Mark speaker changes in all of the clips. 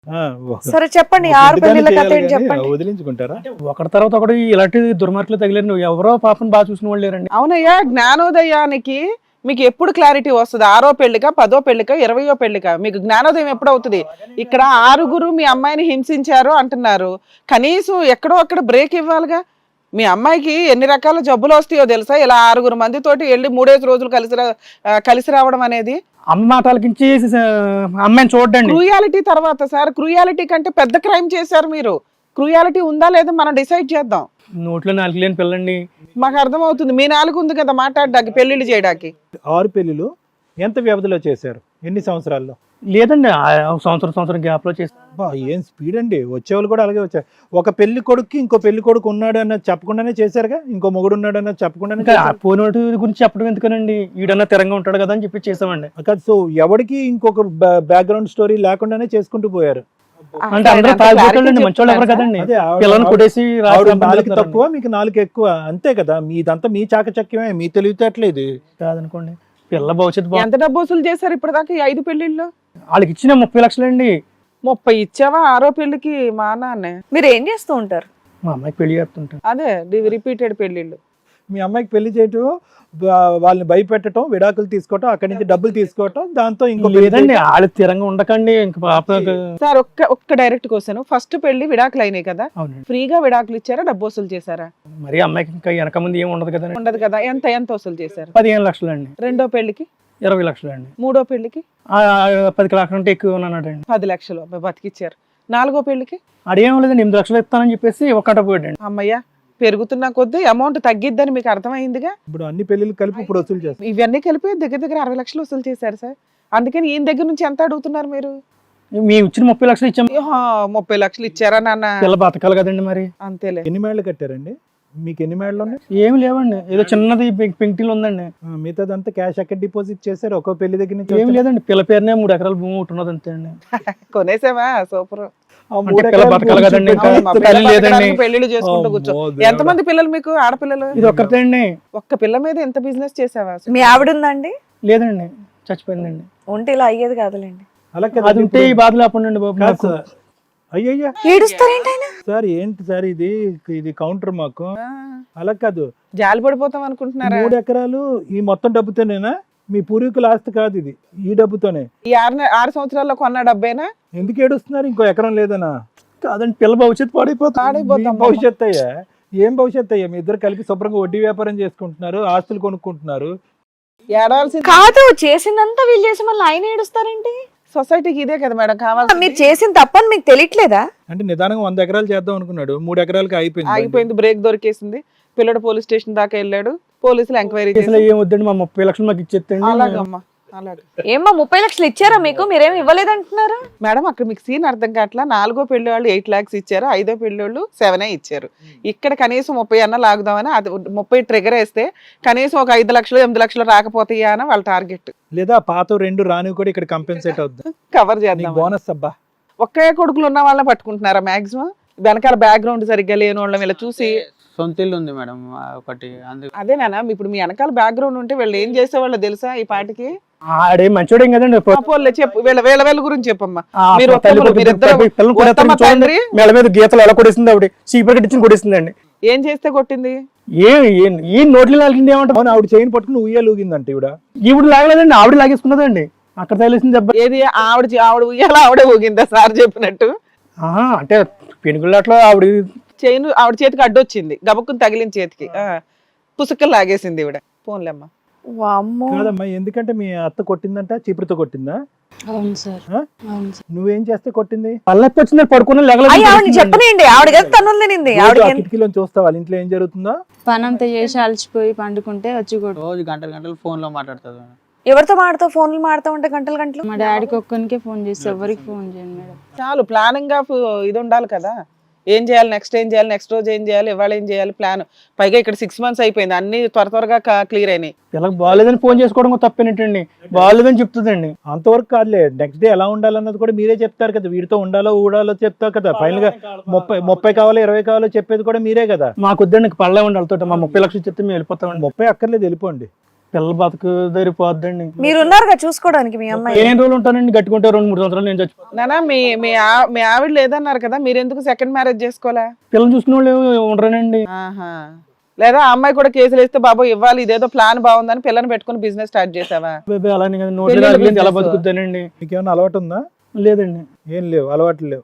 Speaker 1: ఆ,
Speaker 2: సరే చెప్పండి, ఆరు
Speaker 1: ఎందుకని
Speaker 2: పెళ్లిళ్ళ కథ
Speaker 1: చేయాలి
Speaker 2: ఏంటి
Speaker 1: కానీ
Speaker 2: చెప్పండి.
Speaker 1: వదిలించుకుంటారా?
Speaker 3: ఒకటి తర్వాత ఒకటి ఇలాంటి దుర్మార్గులు తగిలేరు. ఎవరో పాపం బాగా చూసిన వాళ్ళు లేరండి.
Speaker 4: అవునయ్యా, జ్ఞానోదయానికి మీకు ఎప్పుడు క్లారిటీ వస్తుంది? 6వ పెళ్లిక, 10వ పెళ్లిక, 20వ పెళ్లిక? మీకు జ్ఞానోదయం ఎప్పుడు అవుతుంది? ఇక్కడ 6 మీ అమ్మాయిని హింసించారు అంటున్నారు, కనీసం ఎక్కడో అక్కడ బ్రేక్ ఇవ్వాలిగా. మీ అమ్మాయికి ఎన్ని రకాల జబ్బులు వస్తాయో తెలుసా? ఇలా 6 మందితోటి వెళ్ళి 3 రోజులు కలిసి రావడం అనేది.
Speaker 3: అమ్మ మాటలకించి అమ్మాయిని చూడండి.
Speaker 4: క్రూయాలిటీ తర్వాత సార్, క్రూయాలిటీ కంటే పెద్ద క్రైమ్ చేశారు మీరు. క్రూయాలిటీ ఉందా లేదా మనం డిసైడ్ చేద్దాం.
Speaker 3: నోట్లో నాలుగు లేని పిల్లండి.
Speaker 4: మాకు అర్థమవుతుంది, మీ నాలుగు ఉంది కదా మాట్లాడడానికి, పెళ్లిళ్ళు చేయడానికి.
Speaker 1: 6 పెళ్లిలు ఎంత వ్యవధిలో చేశారు? ఎన్ని సంవత్సరాల్లో?
Speaker 3: లేదండి, సంవత్సరం గ్యాప్ లో చేసి.
Speaker 1: అబ్బా, ఏం స్పీడ్ అండి! వచ్చేవాళ్ళు కూడా అలాగే వచ్చారు. ఒక పెళ్లి కొడుకు ఇంకో పెళ్లి కొడుకు ఉన్నాడు అన్నది చెప్పకుండానే చేశారుగా, ఇంకో మొగుడు ఉన్నాడు అన్నది చెప్పకుండానే
Speaker 3: ఇంకా పోయిన వాటి గురించి చెప్పడం ఎందుకనండి, ఈడన్నా తిరంగా ఉంటాడు కదా అని చెప్పి చేసామండి.
Speaker 1: కాదు. సో ఎవరికి ఇంకొక బ్యాక్గ్రౌండ్ స్టోరీ లేకుండానే చేసుకుంటూ పోయారు.
Speaker 3: అంటే అందరూ తాగిపోతాడండి, మంచోళ్ళు ఎవరు కదండి.
Speaker 1: అదే
Speaker 3: పిల్లల్ని కొట్టేసి
Speaker 1: నాలుగు తక్కువ, మీకు 4 ఎక్కువ, అంతే కదా. మీదంతా మీ చాకచక్యమే, మీ తెలివితేటలేదు
Speaker 3: కాదనుకోండి. పిల్ల భవిష్యత్తు
Speaker 4: ఎంత డబ్బు వసూలు చేశారు ఇప్పటిదాకా ఈ 5 పెళ్లిళ్ళు?
Speaker 3: వాళ్ళకి ఇచ్చిన 30 లక్షలండి.
Speaker 4: 30 ఇచ్చావా 6వ పెళ్లికి? మా నాన్నే.
Speaker 2: మీరు ఏం చేస్తూ ఉంటారు?
Speaker 3: మా అమ్మాయికి పెళ్లి చేస్తుంటాను.
Speaker 4: అదే రిపీటెడ్ పెళ్లిళ్ళు.
Speaker 1: మీ అమ్మాయికి పెళ్లి చేయటం, వాళ్ళని భయపెట్టడం, విడాకులు తీసుకోవటం, అక్కడి నుంచి డబ్బులు తీసుకోవటం, దాంతో ఇంకో
Speaker 3: లేదండి వాళ్ళు తిరంగా ఉండకండి. ఇంకా పాప
Speaker 4: సార్ ఒక్క డైరెక్ట్ క్వశ్చన్, ఫస్ట్ పెళ్లి విడాకులు అయినాయి కదా,
Speaker 3: అవునండి.
Speaker 4: ఫ్రీగా విడాకులు ఇచ్చారా, డబ్బు వసూలు చేశారా?
Speaker 3: మరి అమ్మాయికి ఇంకా వెనక ముందు ఏమి ఉండదు కదండి.
Speaker 4: ఉండదు కదా. ఎంత వసూలు చేశారు?
Speaker 3: 15 లక్షలండి.
Speaker 4: 2వ పెళ్లికి
Speaker 3: 20 లక్షలండి.
Speaker 4: 3వ పెళ్లికి
Speaker 3: 10 లక్షలు అంటే ఎక్కువ ఉన్నాడండి.
Speaker 4: 10 లక్షలు బతికిచ్చారు. 4వ పెళ్లికి
Speaker 3: అదేం లేదండి, 8 లక్షలు ఇస్తానని చెప్పేసి ఒక్కట పోయాడండి.
Speaker 4: అమ్మయ్య, పెరుగుతున్న కొద్దీ అమౌంట్ తగ్గిద్దని మీకు అర్థమైందిగా.
Speaker 1: ఇప్పుడు అన్ని పెళ్లిళ్ళు కలిపి ఇప్పుడు వసూలు చేస్తారు.
Speaker 4: ఇవన్నీ కలిపి దగ్గర 60 లక్షలు వసూలు చేశారు సార్. అందుకని ఈయన దగ్గర నుంచి ఎంత అడుగుతున్నారు మీరు?
Speaker 3: మేము ఇచ్చిన 30 లక్షలు ఇచ్చాము.
Speaker 4: 30 లక్షలు ఇచ్చారా నాన్న?
Speaker 3: పిల్ల బతకాలి కదండి మరి.
Speaker 4: అంతేలే.
Speaker 1: ఎన్ని మేళ్ళు కట్టారండి? మీకు ఎన్ని మేళ్ళు ఉన్నాయి?
Speaker 3: ఏమి లేవండి, ఏదో చిన్నది పెంకిటీలు ఉందండి.
Speaker 1: మిగతాదంతా క్యాష్ ఎక్కడ డిపాజిట్ చేశారు? ఒక్కో పెళ్లి దగ్గర నుంచి
Speaker 3: ఏం లేదండి, పిల్ల పేరునే 3 ఎకరాల భూమి ఒకటి ఉన్నది అంతే అండి.
Speaker 4: కొనేసావా? సూపర్.
Speaker 3: పిల్ల బతకాలి కదండి, తల్లి లేదండి.
Speaker 4: పెళ్లిళ్ళు చేసుకుంటూ కూర్చో. ఎంతమంది పిల్లలు మీకు, ఆడపిల్లలు?
Speaker 3: ఇది ఒక్కతే అండి.
Speaker 4: ఒక్క పిల్ల మీద ఎంత బిజినెస్ చేసావా?
Speaker 2: మీ ఆవిడ ఉందండి?
Speaker 3: లేదండి, చచ్చిపోయిందండి.
Speaker 2: ఉంటే ఇలా అయ్యేది కాదులేండి.
Speaker 1: అలా
Speaker 3: అది ఉంటే ఈ బాధ లేకుండా బాబు నాకు.
Speaker 1: అయ్యయ్యా
Speaker 2: ఏడుస్తారేంటి ఆయన?
Speaker 1: సార్, ఏంటి సార్ ఇది కౌంటర్ మాకు. అలా కాదు,
Speaker 4: జాలి పడిపోతాం అనుకుంటున్నారా?
Speaker 1: 3 ఎకరాలు ఈ మొత్తం డబ్బుతోనేనా? మీ పూర్వీకుల ఆస్తి కాదు ఇది, ఈ డబ్బుతోనే.
Speaker 4: ఈ 6 సంవత్సరాల్లో కొన్న డబ్బేనా?
Speaker 1: ఎందుకు ఏడుస్తున్నారు? ఇంకో ఎకరం లేదనా?
Speaker 3: కాదండి, పిల్ల భవిష్యత్తు పాడైపోతుంది.
Speaker 1: మీ భవిష్యత్తు అయ్యా, ఏం భవిష్యత్తు అయ్యా? మీ ఇద్దరు కలిపి శుభ్రంగా వడ్డీ వ్యాపారం చేసుకుంటున్నారు, ఆస్తులు కొనుక్కుంటున్నారు.
Speaker 4: ఏడవలసింది
Speaker 2: కాదు, చేసిందంతా వీళ్ళు చేసి మళ్ళీ ఆయన ఏడుస్తారేంటి?
Speaker 4: సొసైటీకి ఇదే కదా మేడం కావాలి.
Speaker 2: మీరు చేసిన తప్పని మీకు తెలియట్లేదా?
Speaker 1: అంటే నిదానంగా 100 ఎకరాలు చేద్దాం అనుకున్నాడు, 3 ఎకరాలకి
Speaker 4: ఆగిపోయింది, బ్రేక్ దొరికేసింది. పిల్లడు పోలీస్ స్టేషన్ దాకా వెళ్ళాడు, పోలీసులు ఎంక్వైరీ చేసి
Speaker 3: ఏం వద్దండి, మా 30 లక్షలు మాకు ఇచ్చేస్తండి.
Speaker 4: అలాగమ్మా అలాగే.
Speaker 2: ఏమ్మా 30 లక్షలు ఇచ్చారా మీకు? మీరేమి ఇవ్వలేదంటున్నారు
Speaker 4: మేడం. అక్కడ మీకు సీన్ అర్థం కావట్లా. 4వ పెళ్లి వాళ్ళు 8 lakhs ఇచ్చారు, 5వ పెళ్లి వాళ్ళు 7 ఇచ్చారు. ఇక్కడ కనీసం 30 అన్న లాగుదామని, అది 30 ట్రిగర్ వేస్తే కనీసం ఒక 5 లక్షలు 8 లక్షలు రాకపోతాయా అని వాళ్ళ టార్గెట్.
Speaker 1: లేదా పాత 2 రానివి కూడా ఇక్కడ కంపెన్సేట్ అవుతుంది,
Speaker 4: కవర్ చేద్దాం.
Speaker 1: బోనస్. అబ్బా,
Speaker 4: ఒకే కొడుకులు ఉన్న వాళ్ళని పట్టుకుంటున్నారా మాక్సిమం? వెనకాల బ్యాక్గ్రౌండ్ సరిగ్గా లేని వాళ్ళని వీళ్ళ చూసి.
Speaker 5: సొంత ఇల్లు ఉంది మేడం ఒకటి, అందుకు.
Speaker 4: అదేనా ఇప్పుడు మీ వెనకాల బ్యాక్గ్రౌండ్ ఉంటే వీళ్ళు ఏం చేసేవాళ్ళు తెలుసా ఈ పాటికి?
Speaker 3: ఆడే మంచోడేం కదండి.
Speaker 4: పోన్లే చెప్పు, వీళ్ళ గురించి చెప్పమ్మా.
Speaker 3: మీరు మెడ మీద గీతలు ఎలా కొడేసింది ఆవిడ, చీపర్ కట్టించి కొడేసిందండి.
Speaker 4: ఏం చేస్తే కొట్టింది?
Speaker 3: ఈ నోట్లు లాగింది ఏమంటారు?
Speaker 1: అవును, ఆవిడ చైన్ పట్టుకుని ఉయ్యాలు ఊగిందంట.
Speaker 3: ఈవిడ లాగలేదండి, ఆవిడ లాగేసుకున్నదండి. అక్కడ తగిలేసింది దెబ్బ.
Speaker 4: ఏది? ఆవిడ ఉయ్యాల ఆవిడే ఊగిందా సార్ చెప్పినట్టు?
Speaker 3: అంటే పెనుగులాట్లో ఆవిడ
Speaker 4: చైన్ ఆవిడ చేతికి అడ్డొచ్చింది, గబక్కుని తగిలిన చేతికి పుసుక్కలు లాగేసింది ఈవిడ. పోన్లేమ్మా.
Speaker 1: కాదమ్మా, ఎందుకంటే మీ అత్త కొట్టిందంట, చీపురుతో కొట్టిందా?
Speaker 6: అవును సార్.
Speaker 1: నువ్వేం చేస్తే కొట్టింది?
Speaker 3: పల్లెప్పి వచ్చింది, పడుకుని
Speaker 2: చెప్పనండి. ఆవిడ కదా తన్నులు తినింది.
Speaker 1: కిటికీలో చూస్తా వాళ్ళ ఇంట్లో ఏం జరుగుతుందో.
Speaker 6: పని అంతా చేసి అలసిపోయి పండుకుంటే వచ్చి కొట్టు.
Speaker 5: రోజు గంటలు ఫోన్ లో మాట్లాడుతుంది మేడం.
Speaker 2: ఎవరితో మాడతావు? ఫోన్లు మాడతా ఉంటే గంటలు.
Speaker 6: మా డాడీకి ఒక్కనికే ఫోన్ చేసి ఎవరికి ఫోన్ చేయండి మేడం.
Speaker 4: చాలు, ప్లానింగ్ ఆఫ్ ఇది ఉండాలి కదా. ఏం చేయాలి, నెక్స్ట్ ఏం చేయాలి, నెక్స్ట్ రోజు ఏం చేయాలి, ఇవాళ ఏం చేయాలి, ప్లాన్. పైగా ఇక్కడ 6 months అయిపోయింది, అన్ని త్వరగా క్లియర్ అయినాయి.
Speaker 3: ఇలా బాగాలేదని ఫోన్ చేసుకోవడం తప్పేనట్టండి, బాగాలేదని చెప్తుందండి.
Speaker 1: అంతవరకు కాదులే, నెక్స్ట్ డే ఎలా ఉండాలన్నది కూడా మీరే చెప్తారు కదా. వీడితో ఉండాలో ఊడాలో చెప్తావు కదా. ఫైనల్ గా 30 కావాలో 20 కావాలో చెప్పేది కూడా మీరే కదా.
Speaker 3: మాకు వద్దండి, పళ్ళే ఉండాలి. మా 30 లక్షలు చెప్తే మేము వెళ్ళిపోతామండి.
Speaker 1: 30 అక్కర్లేదు, వెళ్ళిపోండి.
Speaker 3: పిల్లల బతుకు దరిపోద్దండి.
Speaker 2: మీరు ఉన్నారుగా చూసుకోవడానికి మీ అమ్మాయి.
Speaker 3: ఏం రోజులు ఉంటానండి, గట్టుకుంటే 2-3 సంవత్సరాలు నేను చచ్చిపోతాను.
Speaker 4: నానా మీ ఆవిడ లేదన్నారు కదా, మీరు ఎందుకు సెకండ్ మ్యారేజ్ చేసుకోవాలా?
Speaker 3: పిల్లలు చూసుకునే వాళ్ళు ఉండరానండి.
Speaker 4: ఆహా. లేదా ఆ అమ్మాయి కూడా కేసులు వేస్తే బాబు ఇవ్వాలి, ఇదేదో ప్లాన్ బాగుందని పిల్లని పెట్టుకుని బిజినెస్ స్టార్ట్ చేసావా?
Speaker 3: అలానే కదా, నోట్లో
Speaker 4: పెళ్ళిళ్ళ
Speaker 3: రాగిలింది ఎలా
Speaker 4: business.
Speaker 3: బతుకుతానండి?
Speaker 1: మీకేమైనా అలవాటు ఉందా?
Speaker 3: లేదండి.
Speaker 1: ఏం లేవు, అలవాట్లు లేవు.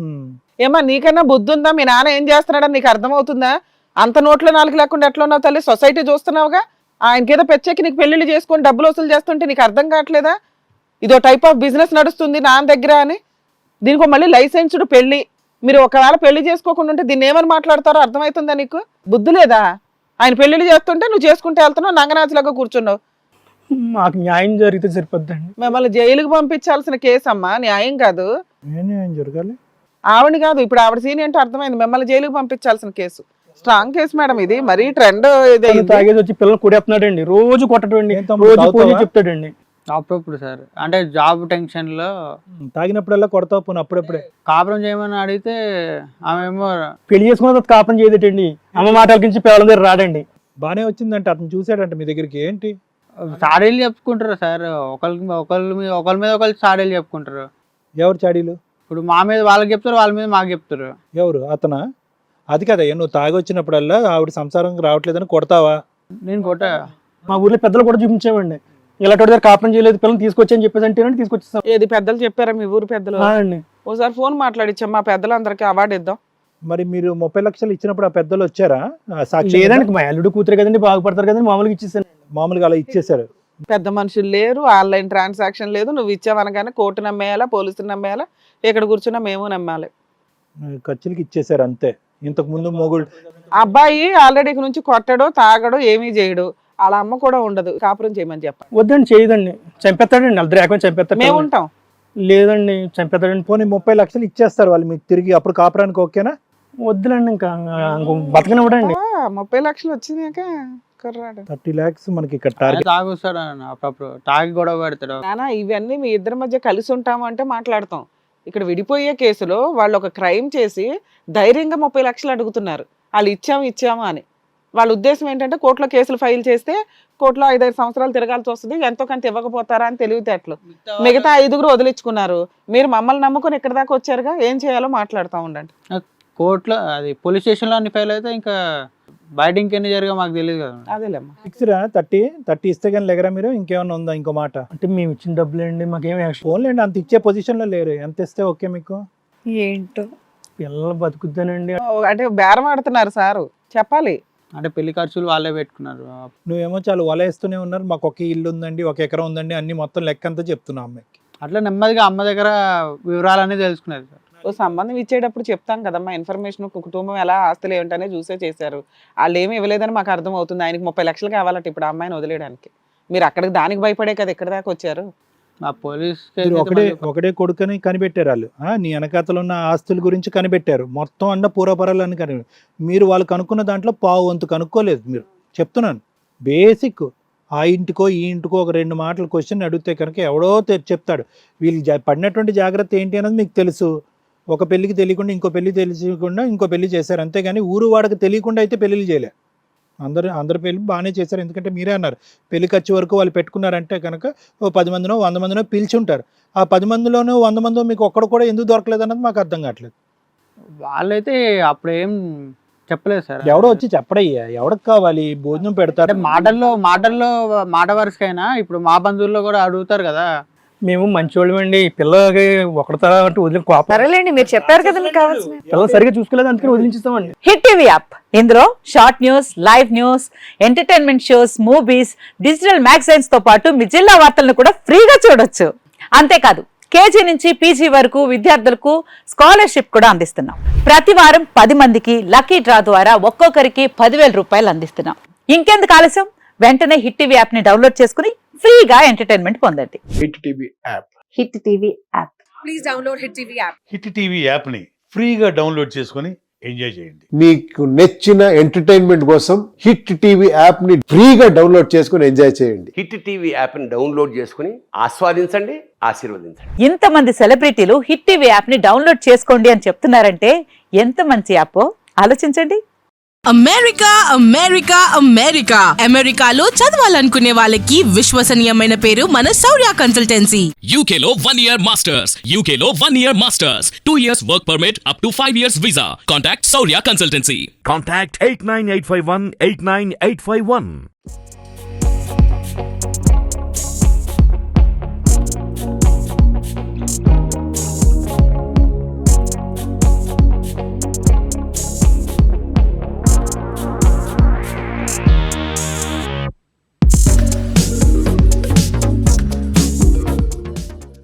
Speaker 4: ఏమా నీకన్నా బుద్ధి ఉందా? మీ నాన్న ఏం చేస్తున్నాడని నీకు అర్థమవుతుందా? అంత నోట్లో నాలుగు లేకుండా ఎట్లా ఉన్నావు తల్లి? సొసైటీ చూస్తున్నావుగా, ఆయనకేదో పెచ్చెక్కి నీకు పెళ్లిళ్ళు చేసుకొని డబ్బులు వసూలు చేస్తుంటే నీకు అర్థం కావట్లేదా? ఇదో టైప్ ఆఫ్ బిజినెస్ నడుస్తుంది నాన్న దగ్గర అని. దీనికి మళ్ళీ లైసెన్స్డ్ పెళ్లి. మీరు ఒకవేళ పెళ్లి చేసుకోకుండా ఉంటే దీన్ని ఏమని మాట్లాడతారో అర్థమవుతుందా నీకు? బుద్ధి లేదా? ఆయన పెళ్లిళ్ళు చేస్తుంటే నువ్వు చేసుకుంటే వెళ్తున్నావు, నంగనాచులాగా కూర్చున్నావు.
Speaker 3: మాకు న్యాయం జరిగితే సరిపోద్దండి.
Speaker 4: మిమ్మల్ని జైలుకి పంపించాల్సిన కేసు అమ్మా, న్యాయం కాదు.
Speaker 1: ఏం జరగాలి?
Speaker 4: ఆవిడ కాదు, ఇప్పుడు ఆవిడ సీన్ ఏంటో అర్థమైంది. మిమ్మల్ని జైలుకి పంపించాల్సిన కేసు. స్ట్రాంగ్ కేసు మేడం ఇది, మరీ ట్రెండ్.
Speaker 3: తాగేసి వచ్చి పిల్లలు కొడేస్తున్నాడండి, రోజు కొట్టడండి,
Speaker 1: ఏం తమ్ముడు,
Speaker 3: రోజు
Speaker 1: తాగుతావా?
Speaker 3: పోయి చెప్తాడండి.
Speaker 5: అప్పుడప్పుడు సార్, అంటే జాబ్ టెన్షన్ లో
Speaker 1: తాగినప్పుడల్లా కొడతావు, పోను అప్పుడప్పుడే.
Speaker 5: కాపురం చేయమని అడిగితే ఆమె ఏమో
Speaker 3: పెళ్లి చేసుకున్న తర్వాత కాపురం చేయదటండి. అమ్మ మాటలకించి పిల్లల దగ్గర రాడండి.
Speaker 1: బానే వచ్చిందంటే అతను చూసాడంట మీ దగ్గరికి. ఏంటి
Speaker 5: సాడీలు చెప్పుకుంటారు సార్, ఒకళ్ళ మీద ఒకళ్ళు సాడీలు చెప్పుకుంటారు.
Speaker 1: ఎవరు చాడీలు?
Speaker 5: ఇప్పుడు మా మీద వాళ్ళకి చెప్తారు, వాళ్ళ మీద మాకు చెప్తారు.
Speaker 1: ఎవరు? అతనా? అది కదా, నువ్వు తాగి వచ్చినప్పుడల్లా ఆవిడ సంసారం రావట్లేదని కొడతావా?
Speaker 5: నేను కొట్ట
Speaker 3: మా ఊర్లో పెద్దలు కూడా చూపించామండి, ఇలాంటి దగ్గర కాపురం చేయలేదు పిల్లల్ని తీసుకొచ్చాయని చెప్పేసి అంటే తీసుకొచ్చేస్తాం.
Speaker 4: ఏది పెద్దలు చెప్పారా మీ ఊరు పెద్దలు?
Speaker 3: అండి.
Speaker 4: ఓసారి ఫోన్ మాట్లాడిచ్చాం, మా పెద్దలందరికీ అవార్డు ఇద్దాం.
Speaker 1: మరి మీరు 30 లక్షలు ఇచ్చినప్పుడు ఆ పెద్దలు వచ్చారా? సాక్షి
Speaker 3: లేదండి, మా అల్లుడు కూతురు కదండి, బాగుపడతారు కదండి, మామూలుగా ఇచ్చేసాను.
Speaker 1: మామూలుగా అలా ఇచ్చేసారు.
Speaker 4: పెద్ద మనుషులు లేరు, ఆన్లైన్ ట్రాన్సాక్షన్ లేదు. నువ్వు ఇచ్చావనగానే కోర్టు నమ్మేయాలా, పోలీసులు నమ్మేయాలా, ఇక్కడ కూర్చున్నా మేము నమ్మాలి.
Speaker 1: ఖర్చులకి ఇచ్చేసారు అంతే. ఇంతకు ముందు మొగుడు
Speaker 4: అబ్బాయి ఆల్రెడీ నుంచి కొట్టడో తాగడో ఏమీ చేయడు, అలా అమ్మ కూడా ఉండదు, కాపురం చేయమని చెప్పండి.
Speaker 3: వద్దండి, చేయదండి, చంపేస్తాడండి, వాళ్ళ ఏకం చంపేస్తాడు.
Speaker 4: మేము ఉంటాం.
Speaker 3: లేదండి, చంపేస్తాడండి.
Speaker 1: పోనీ 30 లక్షలు ఇచ్చేస్తారు వాళ్ళు మీకు తిరిగి, అప్పుడు కాపురానికి ఓకేనా?
Speaker 3: వద్దులండి, ఇంకా బతకనివ్వడండి.
Speaker 4: 30 లక్షలు వచ్చినాక కుర్రాడు.
Speaker 1: 30 lakhs మనకి ఇక్కడ టార్గెట్.
Speaker 5: తాగుస్తాడు అన్న, అప్పుడప్పుడు తాగి గొడవ పెడతాడు.
Speaker 4: నానా ఇవన్నీ మీ ఇద్దరి మధ్య కలిసి ఉంటాము అంటే మాట్లాడతాం. ఇక్కడ విడిపోయే కేసులో వాళ్ళు ఒక క్రైమ్ చేసి ధైర్యంగా 30 లక్షలు అడుగుతున్నారు. వాళ్ళు ఇచ్చాము అని. వాళ్ళ ఉద్దేశం ఏంటంటే కోర్టులో కేసులు ఫైల్ చేస్తే కోర్టులో 5-5 సంవత్సరాలు తిరగాల్సి వస్తుంది, ఎంతో కొంత ఇవ్వకపోతారా అని తెలివితేటలు. మిగతా 5 వదిలించుకున్నారు. మీరు మమ్మల్ని నమ్ముకొని ఇక్కడ దాకా వచ్చారుగా, ఏం చేయాలో మాట్లాడుతూ ఉండండి.
Speaker 5: కోర్టులో అది పోలీస్ స్టేషన్లో అన్ని ఫైల్ అయితే ఇంకా బయట ఇంకెన్ని జరిగా మాకు తెలియదు కదా.
Speaker 4: అదేలేమ్మా.
Speaker 1: ఫిక్స్రా 30 ఇస్తే కానీ లేగరా మీరు? ఇంకేమన్నా ఉందా ఇంకో మాట?
Speaker 3: అంటే మేము ఇచ్చిన డబ్బులండి, మాకేం యాక్షన్.
Speaker 1: ఫోన్లేండి, అంత ఇచ్చే పొజిషన్ లో లేరు. ఎంత ఇస్తే ఓకే మీకు?
Speaker 2: ఏంటో
Speaker 3: పిల్లలు బతుకుతానండి.
Speaker 4: అంటే బేరం ఆడుతున్నారు సారు, చెప్పాలి.
Speaker 5: అంటే పెళ్లి ఖర్చులు వాళ్ళే పెట్టుకున్నారు.
Speaker 1: నువ్వేమో చాలా వలేస్తూనే ఉన్నారు. మాకు ఒక ఇల్లు ఉందండి, 1 ఎకరం ఉందండి, అన్ని మొత్తం లెక్క అంతా చెప్తున్నా అమ్మాయికి.
Speaker 5: అట్లా నెమ్మదిగా అమ్మ దగ్గర వివరాలన్నీ తెలుసుకున్నారు సార్.
Speaker 4: ఓ సంబంధం ఇచ్చేటప్పుడు చెప్తాం కదమ్మా ఇన్ఫర్మేషన్, కుటుంబం ఎలా ఆస్తులు ఏంటనే చూసే చేశారు. వాళ్ళు ఏమి ఇవ్వలేదని మాకు అర్థం అవుతుంది. ఆయనకి 30 లక్షలు కావాలట ఇప్పుడు ఆ అమ్మాయిని వదిలేయడానికి. మీరు అక్కడికి దానికి భయపడే కదా ఇక్కడ దాకా వచ్చారు.
Speaker 5: ఆ పోలీస్
Speaker 1: మీరు ఒకటే కొడుకని కనిపెట్టారు వాళ్ళు. నీ వెనకాతలు ఉన్న ఆస్తుల గురించి కనిపెట్టారు. మొత్తం అన్న పూర్వపరాలు అని మీరు వాళ్ళు కనుక్కున్న దాంట్లో పావు వంతు కనుక్కోలేదు. మీరు చెప్తున్నాను బేసిక్. ఆ ఇంటికో ఈ ఇంటికో ఒక 2 మాటలు క్వశ్చన్ అడిగితే కనుక ఎవడో చెప్తాడు. వీళ్ళు పడినటువంటి జాగ్రత్త ఏంటి అన్నది మీకు తెలుసు. ఒక పెళ్లికి తెలియకుండా ఇంకో పెళ్లి తెలియకుండా ఇంకో పెళ్లి చేశారు, అంతేగాని ఊరు వాడికి తెలియకుండా అయితే పెళ్లిళ్ళు చేయలే. అందరు పెళ్లి బాగానే చేశారు. ఎందుకంటే మీరే అన్నారు పెళ్లి ఖర్చు వరకు వాళ్ళు పెట్టుకున్నారంటే కనుక ఓ 10 మందినో 100 మందినో పిలిచి ఉంటారు. ఆ 10 మందిలోనో 100 మందో మీకు ఒక్కడు కూడా ఎందుకు దొరకలేదు అన్నది మాకు అర్థం కావట్లేదు.
Speaker 5: వాళ్ళైతే అప్పుడు ఏం చెప్పలేదు సార్.
Speaker 1: ఎవడో వచ్చి చెప్పడయ్యా, ఎవరికి కావాలి భోజనం పెడతారు.
Speaker 5: మాటల్లో మాట వరుసకైనా ఇప్పుడు మా బంధువుల్లో కూడా అడుగుతారు కదా.
Speaker 3: మేము మంచోళ్ళమండి, పిల్లలకి ఒకటితర అంటే వదిలి కోపం.
Speaker 2: సరేలేండి, మీరు చెప్పారు కదా మీకు కావాల్సిన.
Speaker 3: పిల్లలు సరిగ్గా చూసుకోలేదు, అందుకని వదిలించిస్తామండి.
Speaker 7: హిట్ టీవీ యాప్, ఇందులో short news, live news, entertainment shows, movies, digital magazines తో పాటు మీ జిల్లా వార్తలను కూడా ఫ్రీగా చూడొచ్చు. అంతేకాదు కేజీ నుంచి పీజీ వరకు విద్యార్థులకు స్కాలర్షిప్ కూడా అందిస్తున్నాం. ప్రతి వారం 10 మందికి లక్కీ డ్రా ద్వారా ఒక్కొక్కరికి 10,000 రూపాయలు అందిస్తున్నాం. ఇంకెందుకు ఆలస్యం, వెంటనే హిట్ టీవీ యాప్ ని డౌన్లోడ్ చేసుకుని ఫ్రీగా ఎంటర్టైన్మెంట్ పొందండి.
Speaker 8: Hit TV app.
Speaker 7: Hit TV app.
Speaker 2: Please download hit TV app.
Speaker 8: Hit TV app ని ఫ్రీగా డౌన్లోడ్ చేసుకొని ఎంజాయ్ చేయండి.
Speaker 9: మీకు నచ్చిన ఎంటర్టైన్మెంట్ కోసం హిట్ టీవీ యాప్ ని ఫ్రీగా డౌన్లోడ్ చేసుకొని ఎంజాయ్ చేయండి.
Speaker 10: హిట్ టీవీ యాప్ ని డౌన్లోడ్ చేసుకుని ఆస్వాదించండి, ఆశీర్వదించండి.
Speaker 7: ఇంతమంది సెలబ్రిటీలు హిట్ టీవీ యాప్ ని డౌన్లోడ్ చేసుకోండి అని చెప్తున్నారంటే ఎంత మంచి యాప్ ఆలోచించండి.
Speaker 11: అమెరికా అమెరికా అమెరికా అమెరికాలో చదవాలనుకునే వాళ్ళకి విశ్వసనీయమైన పేరు మన శౌర్య కన్సల్టెన్సీ.
Speaker 12: UK లో 1 year masters, UK లో 1 year masters, 2 years work permit up to 5 years visa. Contact Saurya Consultancy.
Speaker 13: Contact 89851 89851.